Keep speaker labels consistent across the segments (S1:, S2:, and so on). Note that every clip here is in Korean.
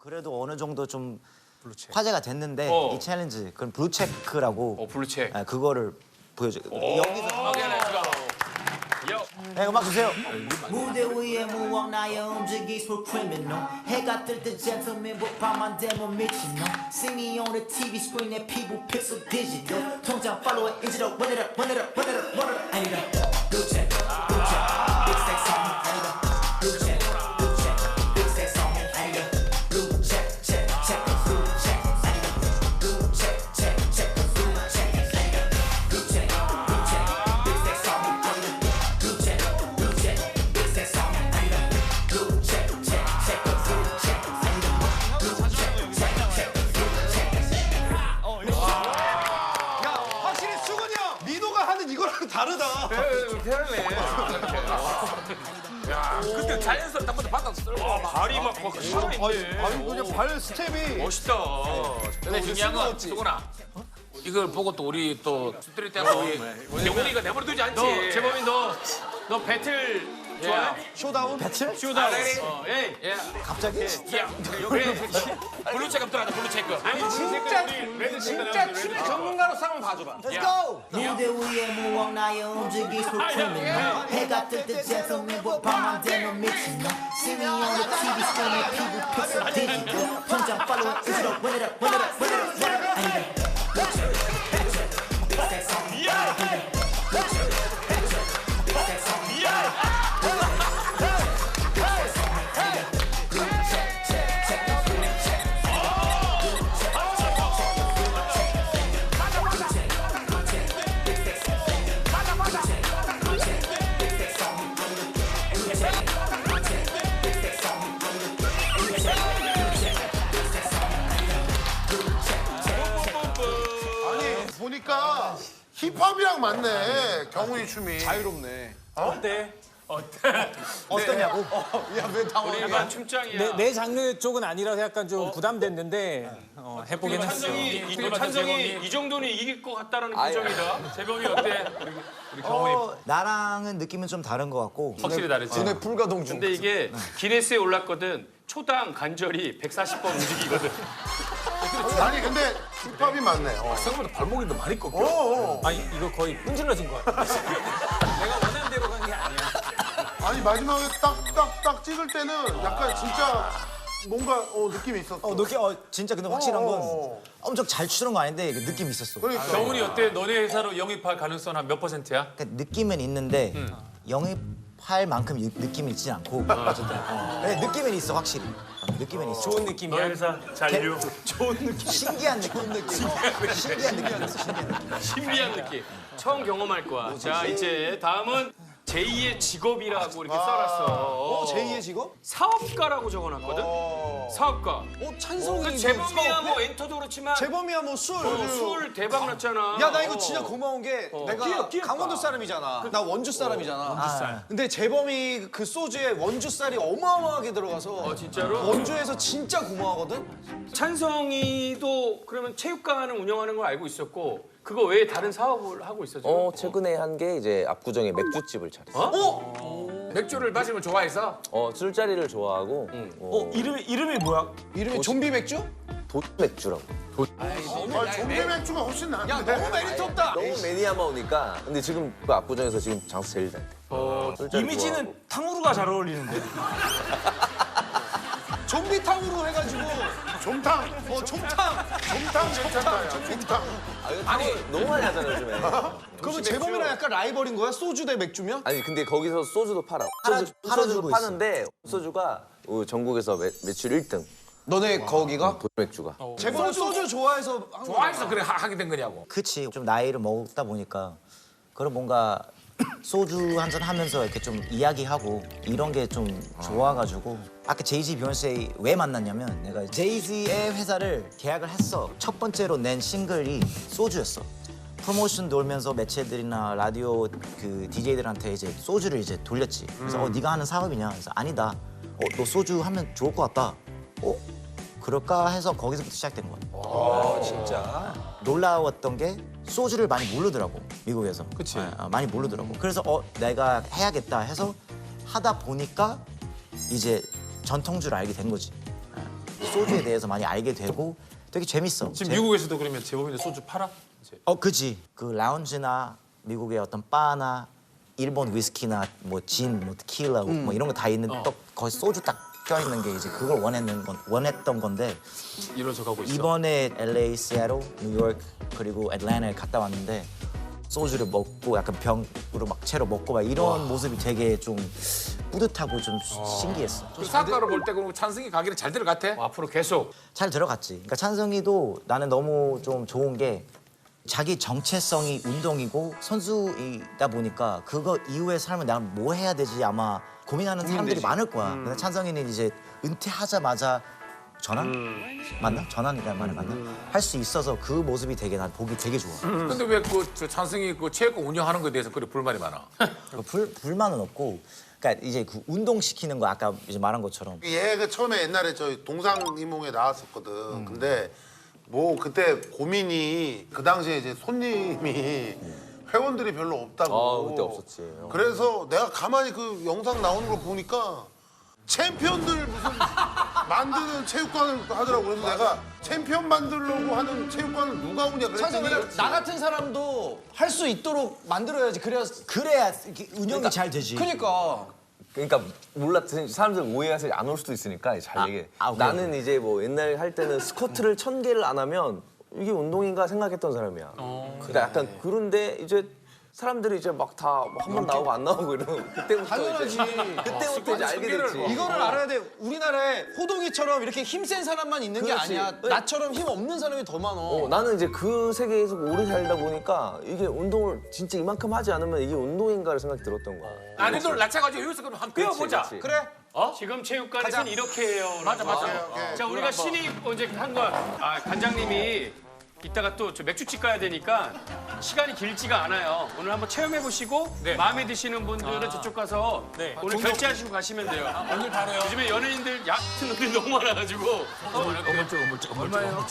S1: 그래도 어느 정도 좀 화제가 됐는데 이 챌린지 그럼 블루체크라고
S2: 블루체크.
S1: 그거를 보여줘요. 여기서 네, 음악 주세요.
S3: 무대 위에 무언 나의 움직이 for criminal 해가 뜰 때 gentleman 밤만 되면 미친놈 See me on the TV screen 내 피부 픽셀 디지털 통장 팔로워 인지도 run it up run it up run it up run it up 아니다 blue check big sex on me 아니다 blue check big sex on me 아니다 blue check blue check 아니다 blue check blue check 아니다 blue check big sex on me 아니다 blue check big sex on me 아니다 blue check blue check 아니다 blue check
S4: 확실히 수근이 형 민호가 하는 이거랑 다르다.
S2: 그때 자연스럽게 한 번도 바닥 쓸고 발이 막 살아있네.
S4: 아니 그냥 발 스텝이
S2: 멋있다. 근데 중요한 건 수근아. 이걸 보고 또 우리 또 스트리트 하고 우리 영훈이가 내버려두지 않지.
S5: 재범이 너 배틀 좋아해?
S4: 쇼다운?
S1: 배틀?
S5: 쇼다운. 에이.
S1: 갑자기?
S2: 야, 블루체크 들어가자. 블루체크.
S5: 아니 진짜 춤의 전문가로서 한번 봐줘봐.
S1: Let's go!
S3: 무대 위에 무언 나의 움직이 for criminal 해가 뜰 때 gentleman 밤만 되면 미친놈 See me on the TV screen 내 피부 픽셀 디지털 통장 팔로워 인지도 run it up run it up run it up run it up 아니다 blue check big sex on me 아니다 blue check big sex on me
S6: 아니 보니까 힙합이랑 맞네 경훈이 춤이.
S4: 자유롭네.
S1: 어떠냐고?
S4: 야왜 당황해?
S5: 약간 춤장이야.
S7: 내 장르 쪽은 아니라서 약간 좀 부담됐는데 해보긴 했어.
S5: 찬성이 이 정도는 이길 것 같다라는 표정이다. 재범이 어때?
S1: 나랑은 느낌은 좀 다른 것 같고
S5: 확실히 다르지.
S4: 눈에 불가동 중.
S5: 근데 이게 기네스에 올랐거든. 초당 관절이 140번 움직이거든.
S6: 아니 근데 힙합이 맞네.
S2: 생각보다 발목이 더 많이 꺾여.
S7: 아니 이거 거의 분질러진 것 같아. 내가 원하는 대로 간 게 아니야.
S6: 아니 마지막에 딱 찍을 때는 약간 진짜 뭔가 느낌이 있었어.
S1: 느낌 진짜 근데 확실한 건
S6: 어.
S1: 엄청 잘 추는 거 아닌데 느낌이 있었어.
S6: 그러니까.
S5: 경훈이 어때? 너네 회사로 영입할 가능성 한 몇 %야?
S1: 그러니까 느낌은 있는데 영입할 만큼 느낌이 있진 않고 어쨌든 네, 느낌은 있어 확실히. 느낌은 있어.
S7: 좋은 느낌이야.
S5: 회사 잔류.
S1: 신기한 느낌. 신기한 느낌이었어. 신기한 느낌.
S5: 신비한 느낌. 처음 경험할 거야. 자, 이제 다음은 제2의 직업이라고 이렇게 써놨어.
S4: 제2의 직업?
S5: 사업가라고 적어놨거든? 사업가.
S4: 찬성이.
S5: 그 재범이야 뭐 엔터도 그렇지만
S4: 재범이야 뭐 술.
S5: 술 대박 났잖아.
S4: 야 나 이거 진짜 고마운 게 내가 강원도 사람이잖아. 나 원주 사람이잖아. 근데 재범이 그 소주에 원주 쌀이 어마어마하게 들어가서
S5: 진짜로?
S4: 원주에서 진짜 고마워하거든.
S5: 찬성이도 그러면 체육관을 운영하는 걸 알고 있었고 그거 외에 다른 사업을 하고 있어 지금?
S8: 최근에 한 게 이제 압구정에 맥주집을 차렸어.
S2: 맥주를 마시는 걸 좋아해서
S8: 술자리를 좋아하고
S7: 이름이 뭐야?
S4: 이름이 좀비 맥주?
S8: 도맥주라고.
S6: 좀비 맥주가 훨씬 나은데.
S4: 야 너무 메리트 없다.
S8: 너무 매니아마우니까. 근데 지금 그 압구정에서 지금 장사 제일 잘 돼. 술자리
S7: 이미지는 탕후루가 잘 어울리는데.
S4: 좀비탕으로 해가지고
S6: 좀탕.
S4: 좀탕.
S6: 좀탕 괜찮다. 좀탕.
S8: 좋아하고. 아니 너무 많이 하잖아 요즘에.
S4: 그러면 재범이랑 약간 라이벌인 거야? 소주 대 맥주면?
S8: 아니 근데 거기서 소주도 팔아.
S1: 팔아주고
S8: 소주도
S1: 있어.
S8: 파는데 소주가 전국에서 매출 1등.
S4: 너네 거기가?
S8: 도맥주가.
S4: 재범 소주 좋아해서 한 거야.
S2: 좋아해서 그래 하게 된 거냐고.
S1: 그치. 좀 나이를 먹다 보니까 그런 뭔가 소주 한잔 하면서 이렇게 좀 이야기하고 이런 게 좀 좋아가지고 아까 제이지 비욘세 왜 만났냐면 내가 제이지의 회사를 계약을 했어. 첫 번째로 낸 싱글이 소주였어. 프로모션 돌면서 매체들이나 라디오 그 DJ들한테 이제 소주를 이제 돌렸지. 그래서 네가 하는 사업이냐? 그래서 아니다. 너 소주 하면 좋을 것 같다. 그럴까 해서 거기서부터 시작된 거야.
S4: 진짜.
S1: 놀라웠던 게 소주를 많이 모르더라고 미국에서.
S4: 그치.
S1: 많이 모르더라고. 그래서 내가 해야겠다 해서 하다 보니까 이제 전통주를 알게 된 거지. 소주에 대해서 많이 알게 되고 되게 재밌어.
S7: 지금 미국에서도 그러면 재범이도 소주 팔아? 이제.
S1: 그지. 그 라운지나 미국의 어떤 바나 일본 위스키나 뭐 진, 뭐 테킬라 뭐 이런 거 다 있는 또 거기 소주 딱 껴있는 게 이제 그걸 원했던 건데
S2: 이뤄져 가고 있어.
S1: 이번에 LA, 시애틀, 뉴욕 그리고 애틀랜타에 갔다 왔는데 소주를 먹고 약간 병으로 막 채로 먹고 막 이런 모습이 되게 좀 뿌듯하고 좀 신기했어.
S2: 그 사과로 볼 때 그럼 찬승이 가기는 잘 될 것 같아?
S5: 앞으로 계속
S1: 잘 들어갔지. 그러니까 찬성이도 나는 너무 좀 좋은 게 자기 정체성이 운동이고 선수이다 보니까 그거 이후의 삶을 내가 뭐 해야 되지 아마 고민하는 사람들이 많을 거야. 근데 찬성이는 이제 은퇴하자마자 전환? 맞나? 전환이라는 말이 맞나? 할 수 있어서 그 모습이 되게 난 보기 되게 좋아.
S2: 근데 왜 그 찬승이 그 체육관 운영하는 거에 대해서 그렇게 불만이 많아?
S1: 불만은 없고 그러니까 이제 그 운동시키는 거 아까 이제 말한 것처럼
S6: 얘가 처음에 옛날에 저희 동상이몽에 나왔었거든. 근데 뭐 그때 고민이 그 당시에 이제 손님이 회원들이 별로 없다고.
S8: 그때 없었지.
S6: 그래서 내가 가만히 그 영상 나오는 걸 보니까 챔피언들 무슨 만드는 체육관을 하더라고. 그래서 내가 챔피언 만들려고 하는 체육관을 누가 오냐
S4: 찬성
S6: 그랬더니
S4: 나 같은 사람도 할 수 있도록 만들어야지. 그래야
S1: 이렇게 운영이 잘 되지.
S8: 그러니까 몰라 사람들 오해해서 안 올 수도 있으니까 잘 얘기해.
S1: 오케이,
S8: 나는 이제 뭐 옛날에 할 때는 스쿼트를 1000개를 안 하면 이게 운동인가 생각했던 사람이야. 그러니까 약간 그런데 이제 사람들이 이제 막 다 한 번 나오고 안 나오고 이러면 그때부터
S4: 당연하지.
S8: 그때부터 이제 알게 됐지.
S4: 이거를 알아야 돼. 우리나라에 호동이처럼 이렇게 힘센 사람만 있는 게
S8: 그렇지.
S4: 아니야. 나처럼 힘 없는 사람이 더 많어.
S8: 나는 이제 그 세계에서 오래 살다 보니까 이게 운동을 진짜 이만큼 하지 않으면 이게 운동인가를 생각이 들었던 거야.
S2: 아니들 낮춰가지고 여기서 그럼 한번 배워보자.
S8: 그렇지.
S4: 그래?
S5: 지금 체육관에서는 이렇게 해요.
S2: 맞아.
S5: 자, 우리가 신입 이제 한 거, 관장님이 이따가 또 저 맥주집 가야 되니까 시간이 길지가 않아요. 오늘 한번 체험해 보시고 마음에 드시는 분들은 저쪽 가서 오늘 결제하시고 가시면 돼요.
S2: 오늘 바로요.
S5: 요즘에 연예인들 얕은 옷들이 너무 많아가지고. 얼마예요?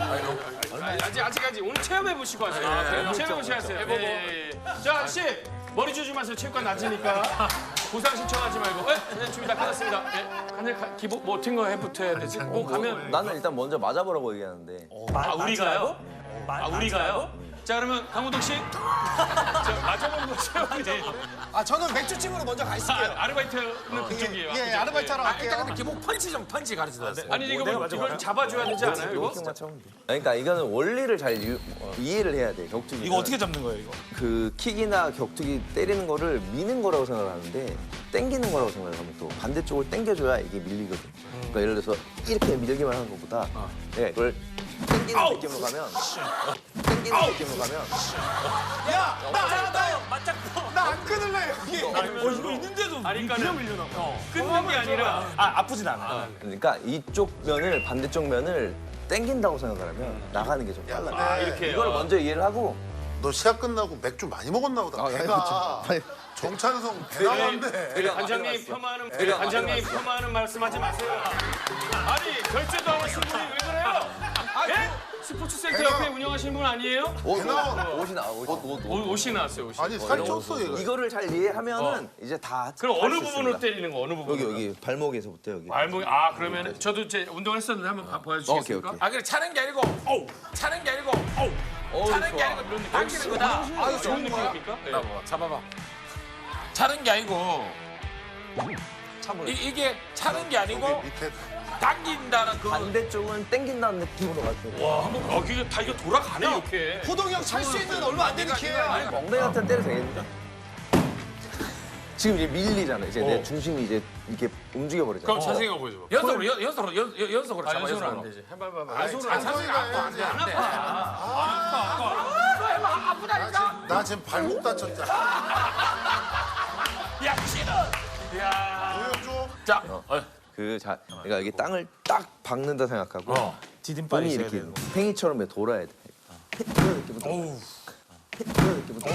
S5: 아직 오늘 체험해 보시고 하세요. 체험해 보시고 하세요. 예. 자, 아저씨 머리 주지 마세요. 체육관 낮으니까. 보상 신청하지 말고. 네, 준비 다 끝났습니다. 간을 기본 뭐 어떤 거 해부터 해야 되지? 꼭 가면.
S8: 나는 일단 먼저 맞아보라고 얘기하는데
S5: 우리가요? 우리가요? 자, 그러면 강호동 씨. 저 맞아본 거 체험이지.
S4: 저는 맥주집으로 먼저 가 있을게요.
S5: 아르바이트는 그쪽이에요.
S4: 예, 아르바이트 하러 갈게요.
S2: 일단 근데 기본 펀치 가르쳐줬어요.
S5: 아니 이걸 잡아줘야 되지 않아요? 이거?
S8: 그러니까 이거는 원리를 잘 이해를 해야 돼. 격투기.
S7: 이거 어떻게 잡는 거예요, 이거?
S8: 그 킥이나 격투기 때리는 거를 미는 거라고 생각을 하는데 당기는 거라고 생각을 하면 또 반대쪽을 당겨줘야 이게 밀리거든. 그러니까 예를 들어서 이렇게 밀기만 하는 것보다 내가 이걸 당기는 느낌으로 가면
S4: 나안 끊을래 여기.
S7: 이거 있는데도
S5: 아니, 그러니까 끊는 게 아니라
S7: 아프진 않아.
S8: 그러니까 이쪽 면을 반대쪽 면을 당긴다고 생각을 하면 나가는 게 좀 빨라.
S5: 이렇게
S8: 이걸 먼저 이해를 하고
S6: 너 시합 끝나고 맥주 많이 먹었나 보다. 배가 정찬성 배 나왔네.
S5: 관장님 폄하하는 말씀하지 마세요. 아니 결제도 안 하신 분이 왜 그래요? 예? 스포츠센터 옆에 운영하시는 분 아니에요?
S8: 옷이 나와.
S5: 옷이 나왔어요. 옷이.
S6: 아니 살쪘어 얘가.
S8: 이거를 잘 이해하면은 이제 다.
S5: 그럼
S8: 할
S5: 어느
S8: 수
S5: 부분으로
S8: 있습니다.
S5: 때리는 거? 어느 부분?
S8: 여기 발목에서부터 여기.
S5: 발목이 그러면 저도 이제 운동했었는데 한번 보여주시겠습니까?
S8: 오케이.
S2: 그래 차는 게 아니고 차는 게 아니고 차는 게 아니고 이런 당기는 거다.
S5: 좋은 느낌입니까?
S2: 잡아봐. 차는 게 아니고 이게 차는 게 아니고
S6: 밑에
S2: 당긴다는 그
S8: 반대쪽은 당긴다는 느낌으로 가지고.
S5: 와, 한번 이게 돌아가네 이렇게.
S4: 호동이 형 찰 수 있는 얼마 안 되는 기회야.
S8: 엉덩이 같은 때려 되겠는데? 지금 이제 밀리잖아. 이제 내 중심이 이제 이렇게 움직여 버리잖아.
S5: 그럼 자세히가 보여줘.
S2: 연속으로 잡아.
S5: 연속으로 안
S2: 연속으로.
S5: 되지. 해봐봐.
S2: 찬성이가 안돼 안돼.
S6: 나 지금 발목 다쳤잖아.
S2: 야 싫어. 야.
S6: 보여줘.
S2: 자.
S8: 그러니까 여기 땅을 딱 박는다 생각하고
S7: 디딤발이
S8: 몸이
S7: 있어야
S8: 이렇게
S7: 되는
S8: 팽이처럼 돌아야 돼. 이런 느낌부터. 이런 느낌부터.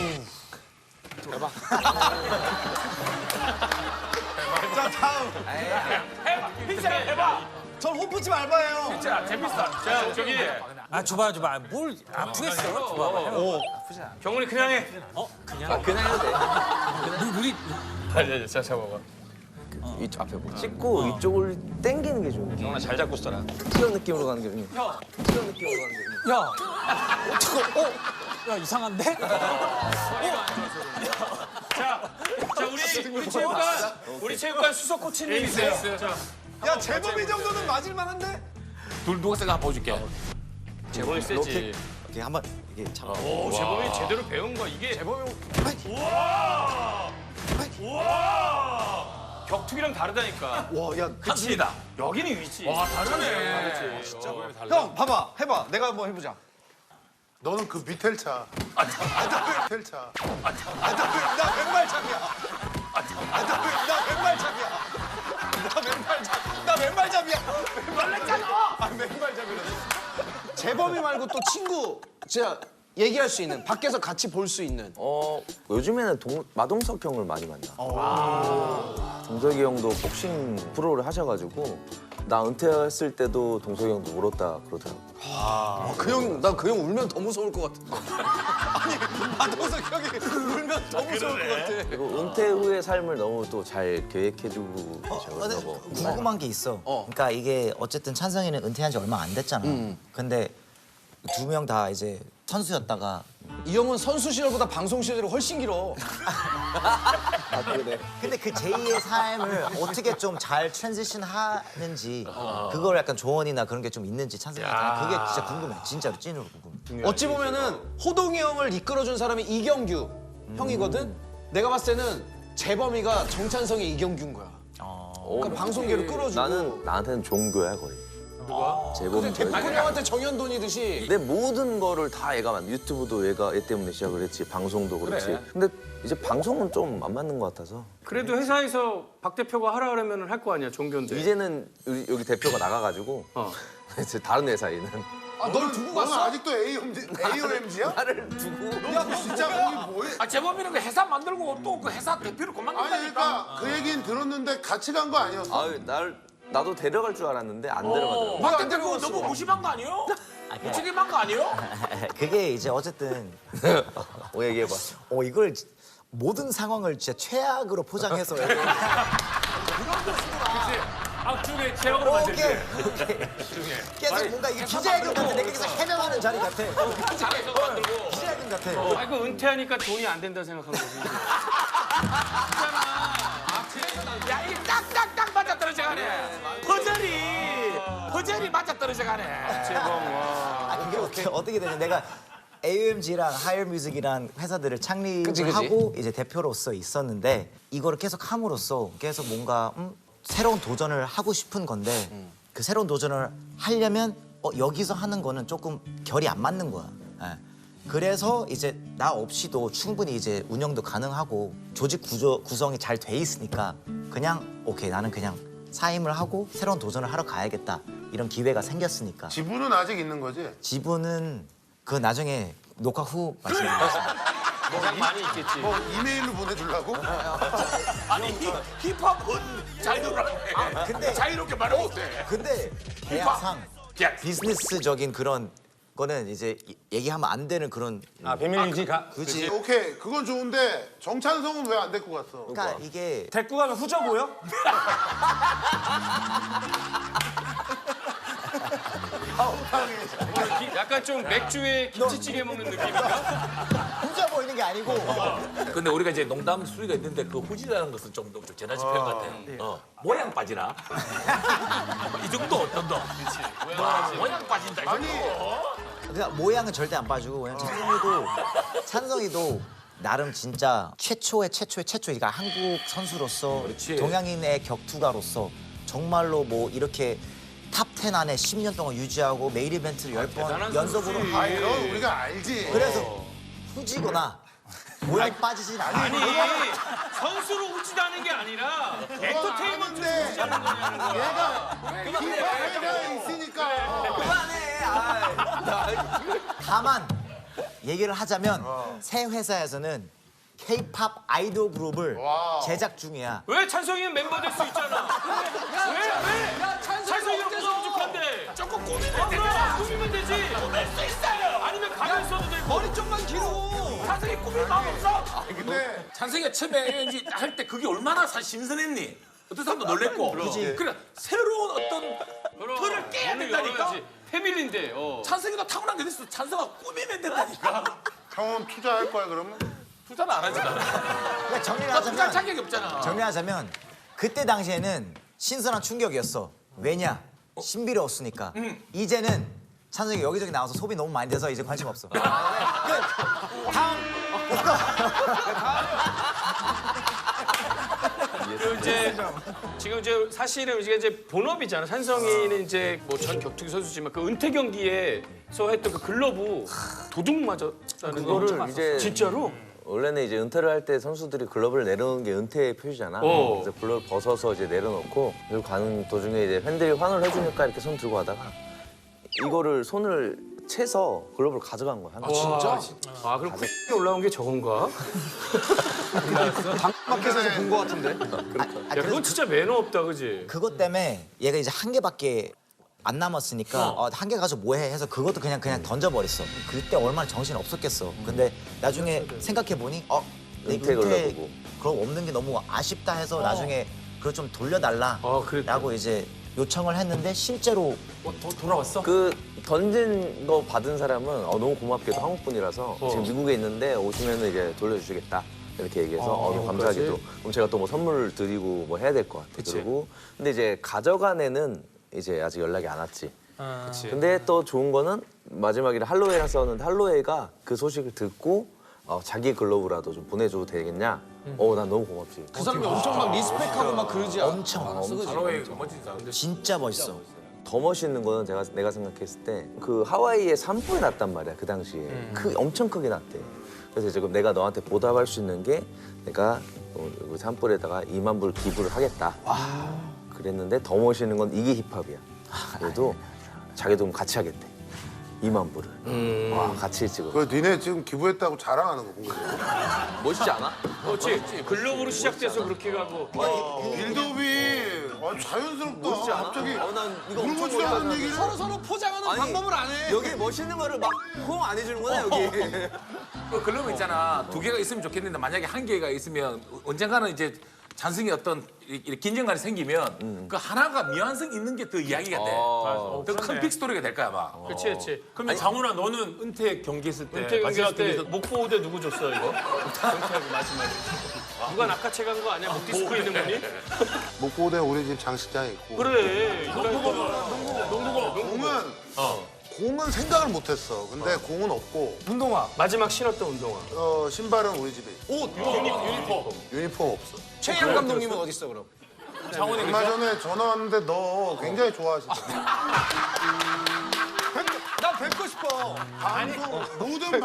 S4: 자 다음.
S2: 해봐.
S4: 전 호프집 알바예요.
S2: 진짜 재밌어.
S5: 자, 저기
S7: 줘봐. 뭘 아프겠어. 줘봐.
S5: 경훈이 그냥 해.
S7: 그냥
S8: 그냥 해도 돼.
S7: 우리
S5: 자, 잡아봐.
S8: 이쪽 앞에 보고 찍고 이쪽을 당기는 게 좋은 거야.
S5: 정훈아 잘 잡고 있어라.
S8: 이런 느낌으로 가는 게 좋은 거야. 이런 느낌으로 가는 게 좋은 거야.
S7: 야, 야 이상한데?
S5: 자, 우리 체육관 수석 코치님이세요. 자,
S4: 야 재범이 정도는 맞을만한데?
S2: 둘 누가 생각 한번 보여줄게.
S5: 재범이 세지.
S1: 이렇게 한번 이게 잡아.
S5: 오, 재범이 제대로 배운 거 이게.
S4: 재범이
S5: 우와! 격투기랑 다르다니까.
S4: 와야
S2: 한순이다.
S5: 여기는 위치.
S2: 와 다르네.
S4: 형 봐봐 해봐 내가 한번 해보자.
S6: 너는 그 비텔차. 비텔차.
S4: 나 왼발잡이야. 나 왼발잡이야. 나 왼발잡이야.
S2: 놀랬잖아.
S4: 아 왼발잡이라서. 재범이 말고 또 친구 진짜 얘기할 수 있는 밖에서 같이 볼 수 있는.
S8: 요즘에는 마동석 형을 많이 만나. 동석이 형도 복싱 프로를 하셔가지고 나 은퇴했을 때도 동석이 형도 울었다 그러더라고.
S4: 난 그 형 울면 더 무서울 것 같아. 아니 마동석 형이 울면 더 무서울 것 같아.
S8: 그리고 은퇴 후의 삶을 너무 또 잘 계획해주고
S1: 근데
S8: 계셔서
S1: 궁금한 게 있어. 그러니까 이게 어쨌든 찬성이는 은퇴한 지 얼마 안 됐잖아. 근데 두 명 다 이제 선수였다가
S4: 이 형은 선수 시절보다 방송 시절이 훨씬 길어.
S1: 근데 그 제2의 삶을 어떻게 좀 잘 트랜지션 하는지 그걸 약간 조언이나 그런 게 좀 있는지 찬성이한테 그게 진짜 궁금해. 진짜로 찐으로 궁금해.
S4: 어찌 보면은 호동이 형을 이끌어준 사람이 이경규 형이거든. 내가 봤을 때는 재범이가 정찬성의 이경규인 거야. 그러니까 방송계로 끌어주고.
S8: 나한테는 종교야 거의. 누가? 재범이.
S4: 백훈 형한테 정현돈이듯이.
S8: 내 모든 거를 다 얘가 유튜브도 얘 때문에 시작을 했지. 방송도 그렇지. 근데 이제 방송은 좀 안 맞는 것 같아서.
S5: 그래도 회사에서 박 대표가 하라 그러면 할 거 아니야, 종교인데.
S8: 이제는 여기 대표가 나가가지고 이제 다른 회사에 있는
S4: 널 두고
S6: 너는
S4: 갔어?
S6: 아직도 AOMG야?
S8: 나를 두고.
S6: 야, 너 진짜 거기 뭐해?
S2: 아 재범이는 그 회사 만들고 또 그 회사 대표를
S6: 아니
S2: 그만둔다니까.
S6: 그러니까 그 얘기는 들었는데 같이 간 거 아니었어?
S8: 아유 나도 데려갈 줄 알았는데 안 데려가더라고.
S2: 박 대표 너무 무심한 거 아니에요? 무책임한 거 아니에요?
S1: 그게 이제 어쨌든
S8: 얘기해봐.
S1: 이걸 모든 상황을 진짜 최악으로 포장해서
S5: 앞쪽에 제약으로 만들지.
S1: 오케이. 계속 뭔가 이게 기자회견 같아. 내가 계속 해명하는 자리 같아.
S2: 잘해서 만들고.
S1: 기자회견 같아.
S5: 아이고 은퇴하니까 돈이 안 된다 생각한 거지.
S2: 야이 딱딱딱 맞아 떨어져가네. 허절이 맞아 떨어져가네.
S5: 재범 와.
S1: 이게 어떻게 되냐. 내가 AOMG랑 하이어뮤직이란 회사들을 창립하고 이제 대표로서 있었는데 이거를 계속 함으로써 계속 뭔가 새로운 도전을 하고 싶은 건데 그 새로운 도전을 하려면 여기서 하는 거는 조금 결이 안 맞는 거야. 예. 그래서 이제 나 없이도 충분히 이제 운영도 가능하고 조직 구성이 잘 돼 있으니까 그냥 오케이 나는 그냥 사임을 하고 새로운 도전을 하러 가야겠다 이런 기회가 생겼으니까.
S6: 지분은 아직 있는 거지?
S1: 지분은 그 나중에 녹화 후 말씀드리겠습니다.
S5: 가장 많이 있겠지.
S6: 뭐 이메일로 보내주려고?
S2: 아니 힙합은 자유롭게.
S1: 근데
S2: 자유롭게 말을 못해.
S1: 근데 계약상
S2: 계약.
S1: 비즈니스적인 그런 거는 이제 얘기하면 안 되는 그런
S7: 비밀 유지 가.
S1: 굳이
S6: 오케이 그건 좋은데 정찬성은 왜 안 데리고 갔어?
S1: 그러니까 이게
S7: 데리고 가면 후져 보여?
S5: 약간 좀 맥주에 김치찌개 먹는 느낌인가?
S1: 혼자 보이는 게 아니고
S2: 근데 우리가 이제 농담 수위가 있는데 그 후지라는 것은 좀 재나지 표현 같아. 모양 빠지나? 이 정도 어떤다? 모양 빠진다. 이 정도.
S1: 그러니까 모양은 절대 안 빠지고 왜냐면 찬성이도 나름 진짜 최초의 그러니까 한국 선수로서
S2: 그렇지.
S1: 동양인의 격투가로서 정말로 뭐 이렇게 탑 10 안에 10년 동안 유지하고 메인 이벤트를 10번
S5: 대단한
S1: 연속으로
S5: 선수지.
S6: 아니 그건 우리가 알지.
S1: 그래서 후지거나 모양 빠지진 않아.
S5: 아니 선수로 우지다는 게 아니라 엔터테인먼트로
S6: 아는데.
S5: 우지하는 거냐는 거야.
S6: 기회가 있으니까.
S1: 다만 얘기를 하자면 새 회사에서는 K-팝 아이돌 그룹을 제작 중이야.
S5: 왜 찬성이는 멤버 될 수 있잖아. 왜? 찬성이는 부족한데.
S2: 조금 꾸미면 되잖아.
S5: 꾸미면 되지.
S2: 꾸밀 수 있어요.
S5: 아니면 가면 써도 되고.
S4: 머리 좀만 길어.
S2: 찬성이 꾸밀 마음 없어?
S6: 근데
S2: 찬성이가 처음에 할 때 그게 얼마나 신선했니? 어떤 사람도 놀랬고. 그래 새로운 어떤 틀을 깨야 된다니까.
S5: 패밀리인데.
S2: 찬성이가 타고난 게 있어. 찬성아 꾸미면 된다니까.
S6: 형은 투자할 거야 그러면?
S2: 투자는 안 하잖아.
S1: 그러니까
S2: 나 투자
S1: 정리하자면
S2: 자격이 없잖아.
S1: 정리하자면 그때 당시에는 신선한 충격이었어. 왜냐? 신비로웠으니까. 이제는 찬성이 여기저기 나와서 소비 너무 많이 돼서 이제 관심 없어. 끝. 다음.
S5: 그리고 이제 지금 이제 사실은 이게 이제 본업이잖아. 찬성이는 이제 뭐 전 격투기 선수지만 그 은퇴 경기에서 했던 그 글러브 도둑 맞았다는 거.
S8: 그거를 이제
S5: 진짜로?
S8: 원래는 이제 은퇴를 할 때 선수들이 글러브를 내려놓는 게 은퇴의 표시잖아. 그래서 글러브 벗어서 이제 내려놓고 그리고 가는 도중에 이제 팬들이 환호를 해주니까 이렇게 손 들고 가다가 이거를 손을 채서 글러브를 가져간 거야.
S5: 진짜? 아 그럼 올라온 게 저건가?
S4: 밖에서 본 거 같은데.
S5: 야 그건 진짜 매너 없다, 그지?
S1: 그것 때문에 얘가 이제 한 개밖에 안 남았으니까 한 개 가지고 뭐해 해서 그것도 그냥 던져버렸어. 그때 얼마나 정신 없었겠어. 근데 나중에 생각해 보니 내
S8: 은퇴 글러브고.
S1: 그럼 없는 게 너무 아쉽다 해서 나중에 그걸 좀 돌려달라라고 이제 요청을 했는데 실제로
S2: 돌아왔어?
S8: 그 던진 거 받은 사람은 너무 고맙게도 한국 분이라서 지금 미국에 있는데 오시면 이제 돌려주시겠다 이렇게 얘기해서 너무 감사하게도 그럼 제가 또 뭐 선물을 드리고 뭐 해야 될 것 같아. 그리고 근데 이제 가져간 애는 이제 아직 연락이 안 왔지. 근데 또 좋은 거는 마지막에 할로웨이랑 싸웠는데 할로웨이가 그 소식을 듣고 자기 글러브라도 좀 보내줘도 되겠냐? 난 너무 고맙지.
S4: 그 사람이 엄청 막 리스펙하고 막 그러지 않아?
S1: 엄청
S2: 바로의 멋진 사람.
S1: 진짜 멋있어.
S8: 더 멋있는 거는 내가 생각했을 때 그 하와이에 산불이 났단 말이야 그 당시에 엄청 크게 났대. 그래서 지금 내가 너한테 보답할 수 있는 게 내가 그 산불에다가 2만 불 기부를 하겠다. 그랬는데 더 멋있는 건 이게 힙합이야. 그래도 자기도 같이 하겠대. 2만 불을. 와 같이 찍어.
S6: 그 니네 지금 기부했다고 자랑하는 거 본 거지.
S8: 멋있지 않아?
S5: 그렇지. 글러브로 시작돼서 그렇게 가고.
S6: 빌드업이 자연스럽다.
S8: 멋있지 않아?
S6: 갑자기
S8: 난 이거 엄청
S6: 물어보지도 않은
S8: 멋있다.
S6: 얘기를.
S4: 서로 포장하는 방법을 안 해.
S8: 여기 멋있는 거를 막 호응 안 해주는구나 여기.
S2: 그 글러브 있잖아. 2개가 있으면 좋겠는데 만약에 1개가 있으면 언젠가는 이제 찬성이 어떤 이렇게 긴장감이 생기면 그 하나가 미완성 있는 게 더 이야기가 돼. 더 큰 빅스토리가 될 거야 아마.
S5: 그렇지, 그렇지.
S7: 그러면 장훈아 너는 은퇴 경기 했을 때
S5: 은퇴 경기할 때
S7: 마지막 목포대 누구 줬어 이거? 은퇴하고 마지막에.
S5: 누가 낚아채 간 거 아니야? 목 디스크 있는 분이?
S6: 목포대 우리 집 장식장에 있고.
S7: 그래.
S6: 공은 생각을 못했어. 근데 공은 없고
S5: 운동화. 마지막 신었던 운동화.
S6: 신발은 우리 집에 있고.
S4: 옷,
S6: 유니폼 없어.
S4: 최양 감독님은 어디 있어 그럼?
S6: 얼마 전에 전화 왔는데 너 굉장히 좋아하시더라.
S4: 난 뵙고 싶어.
S6: 모든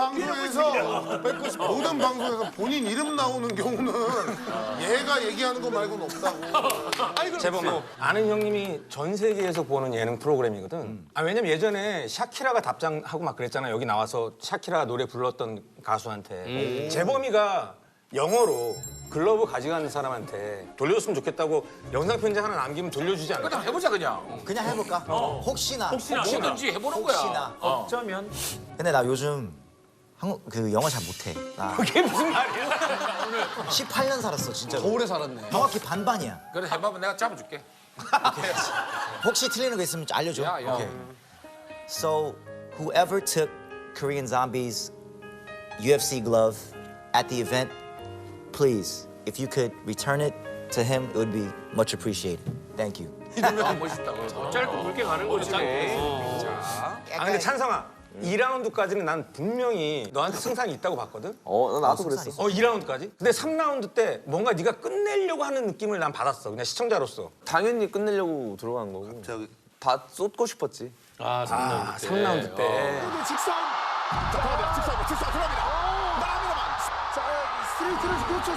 S6: 방송에서 본인 이름 나오는 경우는 얘가 얘기하는 거 말고는 없다고.
S7: 재범아, 아는 형님이 전 세계에서 보는 예능 프로그램이거든. 왜냐면 예전에 샤키라가 답장하고 막 그랬잖아. 여기 나와서 샤키라 노래 불렀던 가수한테. 재범이가 영어로 글러브 가져가는 사람한테 돌려줬으면 좋겠다고 영상 편지 하나 남기면 돌려주지 않을까?
S2: 그냥 해보자 그냥.
S1: 그냥 해볼까? 혹시나.
S2: 뭐든지 해보는 거야.
S1: 혹시나.
S7: 어쩌면
S1: 근데 나 요즘 그 영어 잘 못해. 나
S5: 그게 무슨 말이야?
S1: 18년 살았어 진짜로.
S4: 더 오래 살았네.
S1: 정확히 반반이야.
S2: 그래 해봐봐 내가 잡아줄게.
S1: 혹시 틀리는 거 있으면 좀 알려줘.
S2: 야.
S1: Okay. So, whoever took Korean Zombie's UFC glove at the event, please, if you could return it to him, it would be much appreciated. Thank you.
S2: 멋있다.
S5: 짧고 굵게 가는 거지.
S7: 근데 찬성아 2라운드까지는 난 분명히 너한테 승산이 있다고 봤거든?
S8: 나도 그랬어.
S7: 2라운드까지? 근데 3라운드 때 뭔가 네가 끝내려고 하는 느낌을 난 받았어. 그냥 시청자로서.
S8: 당연히 끝내려고 들어간 거고.
S6: 저기
S8: 다 쏟고 싶었지.
S7: 3라운드 때.
S6: 직선 들어갑니다. 나갑니다만. 자, 스트레이트를 그렇죠.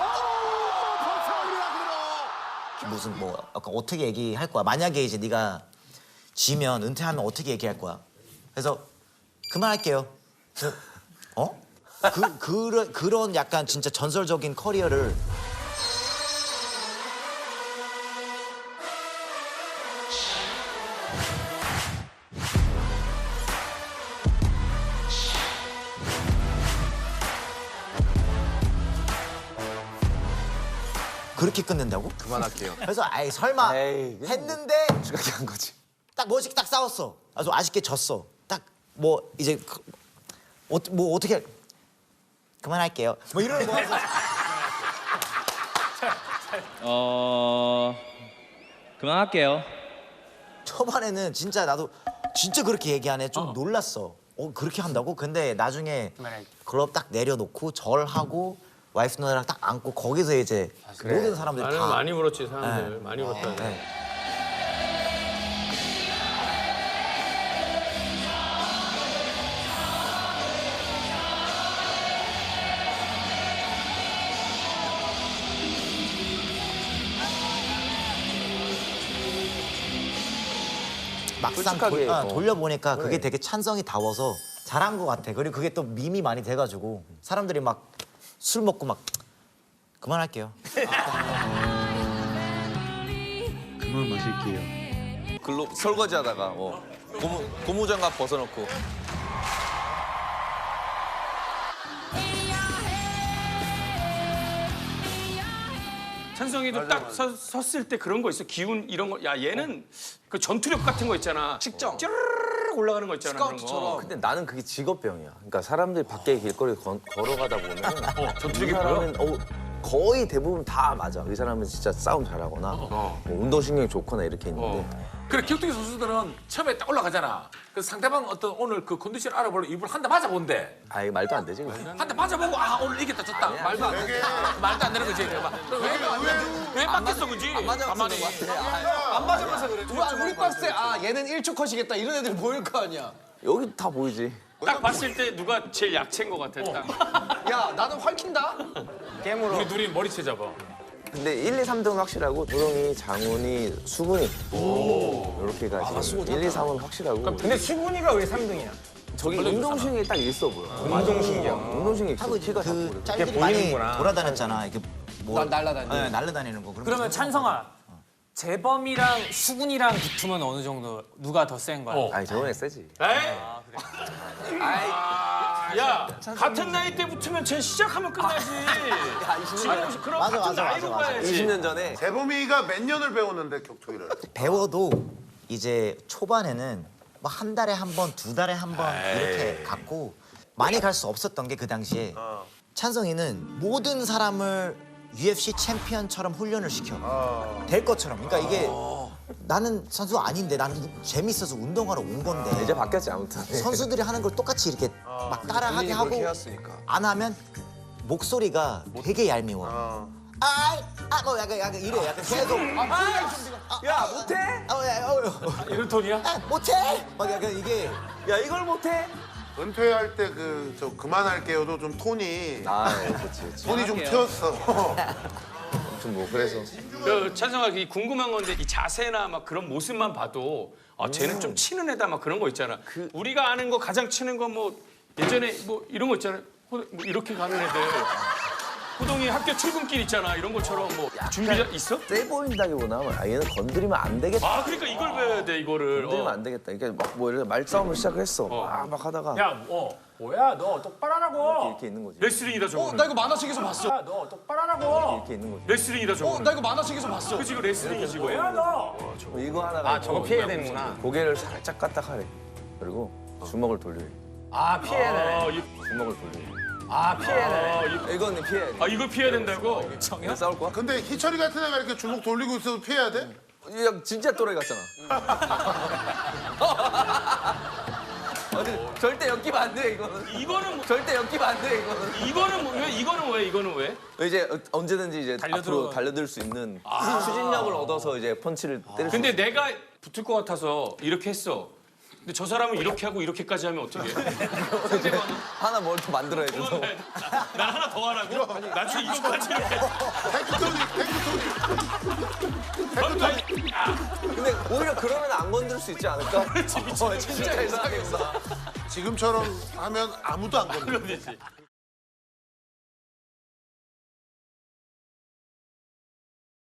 S1: 무슨 뭐 약간 어떻게 얘기할 거야? 만약에 이제 네가 지면 은퇴하면 어떻게 얘기할 거야? 그래서 그만할게요. 그래서, 그런 약간 진짜 전설적인 커리어를 그렇게 끝낸다고?
S4: 그만할게요.
S1: 그래서 아이 설마
S8: 에이, 그냥
S1: 했는데
S8: 그렇게 한 거지.
S1: 딱 멋있게 딱 싸웠어. 아주 아쉽게 졌어. 딱 뭐 이제 뭐 어떻게 그만할게요. 뭐 이러는 거.
S9: 그만할게요.
S1: 초반에는 진짜 나도 진짜 그렇게 얘기하네. 좀 놀랐어. 그렇게 한다고? 근데 나중에 글럽 딱 내려놓고 절하고 와이프 누나랑 딱 안고 거기서 이제 모든 사람들이
S5: 나는
S1: 다
S5: 많이 울었지 사람들. 많이 울었다.
S1: 네. 막상
S8: 솔직하게,
S1: 돌려보니까 그게 되게 찬성이 다워서 잘한 것 같아. 그리고 그게 또 밈이 많이 돼가지고 사람들이 막 술 먹고 막 그만할게요.
S9: 그만 마실게요.
S8: 글로 설거지하다가 고무장갑 벗어놓고
S5: 찬성이도 딱 섰을 때 그런 거 있어. 기운 이런 거. 야 얘는 그 전투력 같은 거 있잖아.
S4: 식정.
S5: 쭈르르 올라가는 거 있잖아. 그런
S4: 스카우트처럼.
S5: 거.
S8: 근데 나는 그게 직업병이야. 그러니까 사람들이 밖에 길거리 걸어가다 보면
S5: 전투력이
S8: 이 사람은 거의 대부분 다 맞아. 이 사람은 진짜 싸움 잘하거나 뭐 운동신경이 좋거나 이렇게 있는데
S2: 그래 격투기 선수들은 처음에 딱 올라가잖아. 그래서 상대방 어떤 오늘 그 컨디션 알아보려 일부러 한 대 맞아본대.
S8: 아예 말도 안 되지. 그거.
S2: 한 대 맞아보고 아 오늘 이겼다 졌다. 말도 안 돼. 말도 안 되는 거지. 왜 맞겠어 그지? 가만히.
S4: 안 맞으면서 그래. 우리 박스에 얘는 1초 컷이겠다 이런 애들이 보일 거 아니야.
S8: 여기 다 보이지.
S5: 딱 봤을 때 누가 제일 약체인 것 같아. 딱.
S4: 야 나는 활킨다.
S2: 우리 둘이 머리채 잡아.
S8: 근데 1, 2, 3등은 확실하고 조롱이, 장훈이, 수근이 이렇게 가지고 1, 2, 3은 확실하고
S7: 근데 수근이가 왜 3등이야?
S8: 저기 운동신경이 딱 있어 보여.
S7: 운동신경.
S8: 운동신경이 있어. 키가 작고
S1: 그
S8: 그래.
S1: 짤들이 많이
S7: 보이는구나.
S1: 돌아다녔잖아. 이렇게 뭐
S4: 날라다니는.
S1: 네, 날라다니는 거.
S10: 그러면 찬성아, 재범이랑 수근이랑 붙으면 어느 정도 누가 더 센 거야?
S8: 아니 저번에 세지.
S5: 에이? 야 같은 나이 때 붙으면 쟤 시작하면 끝나지. 지금 그럼
S1: 맞아,
S5: 같은
S1: 맞아,
S5: 나이로
S1: 맞아, 맞아.
S5: 가야지.
S8: 20년 전에
S6: 재범이가 몇 년을 배웠는데 격투기를?
S1: 배워도 이제 초반에는 뭐 한 달에 한 번, 두 달에 한 번 이렇게 갔고 많이 갈 수 없었던 게 그 당시에 찬성이는 모든 사람을 UFC 챔피언처럼 훈련을 시켜. 될 것처럼. 그러니까 이게 나는 선수 아닌데 나는 재밌어서 운동하러 온 건데
S8: 이제 바뀌었지 아무튼.
S1: 선수들이 하는 걸 똑같이 이렇게 막 따라하게 하고
S4: 그렇게 해왔으니까.
S1: 안 하면 목소리가 되게 얄미워. 뭐 약간 이래. 약간 계속.
S8: 야 못해?
S2: 이런 톤이야?
S1: 못해. 막 약간 이게
S8: 야 이걸 못해?
S6: 은퇴할 때 저 그만할게요도 좀 톤이
S8: 그렇지.
S6: 톤이 좀 튀었어.
S8: 아무튼 뭐 그래서
S5: 찬성아 궁금한 건데 이 자세나 막 그런 모습만 봐도 쟤는 좀 치는 애다 막 그런 거 있잖아. 우리가 아는 거 가장 치는 거 뭐 예전에 뭐 이런 거 있잖아. 뭐 이렇게 가는 애들. 호동이 학교 출근길 있잖아. 이런 것처럼 뭐 준비 있어?
S8: 세 보인다기보다 얘는 건드리면 안 되겠다.
S5: 그러니까 이걸 배워야 돼 이거를.
S8: 건드리면 안 되겠다. 이게 막뭐 이렇게 말싸움을 시작을 했어. 막 하다가
S2: 야, 뭐야 너 똑바로 하라고.
S8: 이렇게 있는 거지.
S5: 레슬링이다 저거.
S4: 나 이거 만화책에서 봤어.
S2: 야, 너 똑바로 하라고.
S8: 이렇게 있는 거지.
S5: 레슬링이다 저거.
S4: 나 이거 만화책에서 봤어.
S5: 그치 이거 레슬링이지 이거.
S2: 뭐야 너?
S8: 뭐 이거 하다가
S7: 저거 피해야 되는구나.
S8: 고개를 살짝 까딱하래. 그리고 주먹을 돌려.
S7: 피해야 되네.
S8: 주먹을 돌려.
S7: 피해야 되네.
S8: 이거는 피해야 돼.
S5: 이걸 피해야 된다고?
S8: 이거 싸울 거야?
S6: 근데 희철이 같은 애가 이렇게 주먹 돌리고 있어도 피해야 돼?
S8: 야 진짜 또라이 같잖아. 절대 엮이면 안 돼 이거는.
S5: 이거는 뭐,
S8: 절대 엮이면 안 돼 이거는.
S5: 이거는 왜?
S8: 이제 언제든지 이제 앞으로 달려들 수 있는 추진력을 얻어서 이제 펀치를 때릴 수 있어.
S5: 근데 내가 붙을 것 같아서 이렇게 했어. 근데 저 사람은 이렇게 하고 이렇게까지 하면 어떻게 해? 상대방은
S8: 하나 뭘 더 만들어야지.
S5: 난 하나 더 하라고? 나중에 이거까지 이렇게.
S8: 근데 오히려 그러면 안 건들 수 있지 않을까?
S5: 그렇지,
S8: 진짜 이상하겠어.
S6: 지금처럼 하면 아무도 안 건드려.
S5: 그렇지.